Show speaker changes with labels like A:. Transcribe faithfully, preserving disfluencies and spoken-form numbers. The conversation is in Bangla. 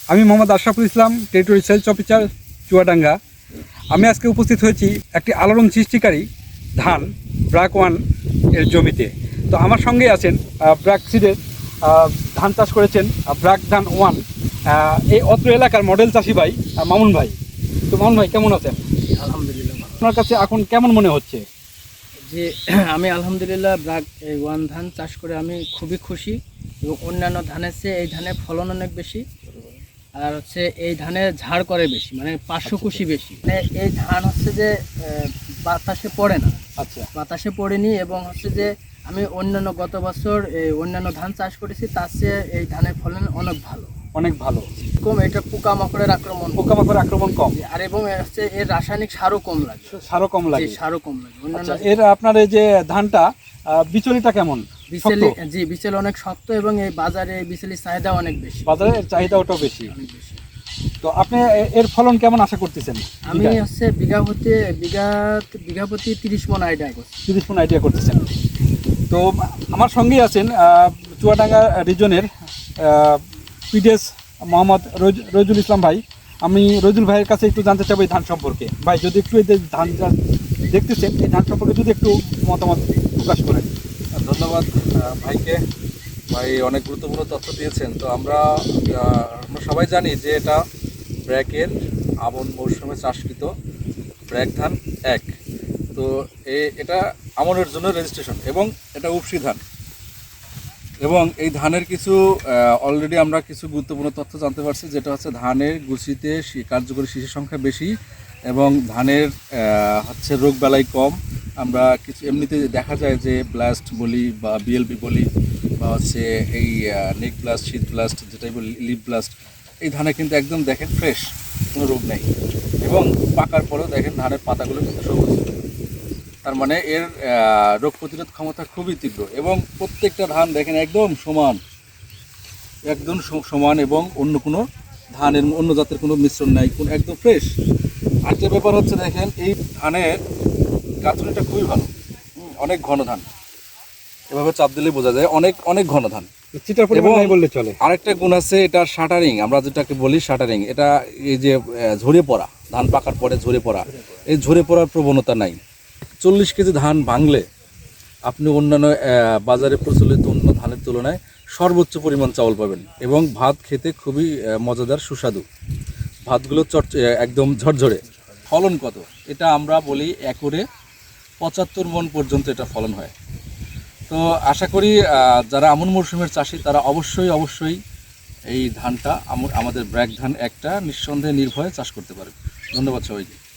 A: আমি Mohammad Ashraful Islam, territory sales officer, Chuadanga. আমি আজকে উপস্থিত হয়েছি একটি আলোড়ন সৃষ্টিকারী ধান ব্র্যাক ওয়ান এর জমিতে। তো আমার সঙ্গে আছেন ব্র্যাক সিডের ধান চাষ করেছেন ব্র্যাক ধান ওয়ান, এই অত্র এলাকার মডেল চাষি ভাই মামুন ভাই। তো মামুন ভাই কেমন আছেন?
B: আলহামদুলিল্লাহ।
A: আপনার কাছে এখন কেমন মনে হচ্ছে?
B: যে আমি আলহামদুলিল্লাহ ব্র্যাক এই ওয়ান ধান চাষ করে আমি খুবই খুশি, এবং অন্যান্য ধানের চেয়ে এই ধানের ফলন অনেক বেশি, আর হচ্ছে এই ধানের ঝাড় করে বেশি, মানে পার্শ্বকুশি বেশি। মানে এই ধান হচ্ছে যে বাতাসে পড়ে না,
A: আচ্ছা,
B: বাতাসে পড়েনি। এবং হচ্ছে যে আমি অন্যান্য গত বছর এই অন্যান্য ধান চাষ করেছি, তার চেয়ে এই ধানের ফলন অনেক ভালো,
A: অনেক ভালো।
B: কম এটা পোকামাকড়ের আক্রমণ
A: পোকামাকড়ের আক্রমণ কম,
B: আর এবং হচ্ছে এর রাসায়নিক সারও কম লাগে,
A: সারও কম লাগে,
B: সারও কম লাগে অন্যান্য।
A: আচ্ছা, এর আপনার এই যে ধানটা বিচলিটা কেমন?
B: বিচেলি, জি বিচেলি অনেক শক্ত, এবং এই বাজারে এই বিচেলির চাহিদা অনেক বেশি,
A: বাজারে এর চাহিদা ওটাও বেশি।
B: অনেক বেশি।
A: তো আপনি এর ফলন কেমন আশা করতেছেন?
B: আমি হচ্ছে বিঘা প্রতি বিঘা বিঘা প্রতি তিরিশ মন আইডিয়া করছি।
A: তিরিশ মন আইডিয়া করতেছেন। তো আমার সঙ্গেই আছেন চুয়াডাঙ্গা রিজনের পিডিএস মোহাম্মদ রইজুল ইসলাম ভাই। আমি রইজুল ভাইয়ের কাছে একটু জানতে চাবো এই ধান সম্পর্কে। ভাই, যদি একটু এই যে ধান দেখতেছেন, এই ধান সম্পর্কে যদি একটু মতামত প্রকাশ করেন।
C: ধন্যবাদ ভাইকে। ভাই অনেক গুরুত্বপূর্ণ তথ্য দিয়েছেন। তো আমরা আমরা সবাই জানি যে এটা ব্র্যাকের আমন মৌসুমে চাষকৃত ব্র্যাক ধান এক। তো এটা আমনের জন্য রেজিস্ট্রেশন, এবং এটা উপসি ধান। এবং এই ধানের কিছু অলরেডি আমরা কিছু গুরুত্বপূর্ণ তথ্য জানতে পারছি, যেটা হচ্ছে ধানের গুছিতে কার্যকরী শিশুর সংখ্যা বেশি, এবং ধানের হচ্ছে রোগ বালাই কম। আমরা কিছু এমনিতে দেখা যায় যে ব্লাস্ট বলি বা বিএলবি বলি, বা হচ্ছে এই নেক ব্লাস্ট, শীত ব্লাস্ট, যেটাই বলি লিপ ব্লাস্ট, এই ধানে কিন্তু একদম দেখেন ফ্রেশ, কোনো রোগ নেই। এবং পাকার পরেও দেখেন ধানের পাতাগুলো কিন্তু সবুজ, তার মানে এর রোগ প্রতিরোধ ক্ষমতা খুবই তীব্র। এবং প্রত্যেকটা ধান দেখেন একদম সমান, একদম সমান, এবং অন্য কোনো ধানের অন্য জাতের কোনো মিশ্রণ নাই, কোন একদম ফ্রেশ। আরেকটা ব্যাপার হচ্ছে দেখেন এই ধানের গাঁথনিটা খুবই ভালো, অনেক ঘন ধান, এভাবে চাপ দিলেই বোঝা যায় অনেক অনেক ঘন ধান।
A: বললে চলে।
C: আরেকটা গুণ আছে এটা শাটারিং, আমরা যেটাকে বলি শাটারিং। এটা এই যে ঝরে পড়া, ধান পাকার পরে ঝরে পড়া, এই ঝরে পড়ার প্রবণতা নাই। চল্লিশ কেজি ধান ভাঙলে আপনি অন্যান্য বাজারে প্রচলিত অন্য ধানের তুলনায় সর্বোচ্চ পরিমাণ চাউল পাবেন, এবং ভাত খেতে খুবই মজাদার সুস্বাদু। ভাতগুলো চট একদম ঝরঝরে। ফলন কত? এটা আমরা বলি একরে পঁচাত্তর মন পর্যন্ত এটা ফলন হয়। তো আশা করি যারা আমন মরশুমের চাষি তারা অবশ্যই অবশ্যই এই ধানটা আমাদের ব্র্যাক ধান একটা নিঃসন্দেহে নির্ভয়ে চাষ করতে পারবে। ধন্যবাদ সবাইকে।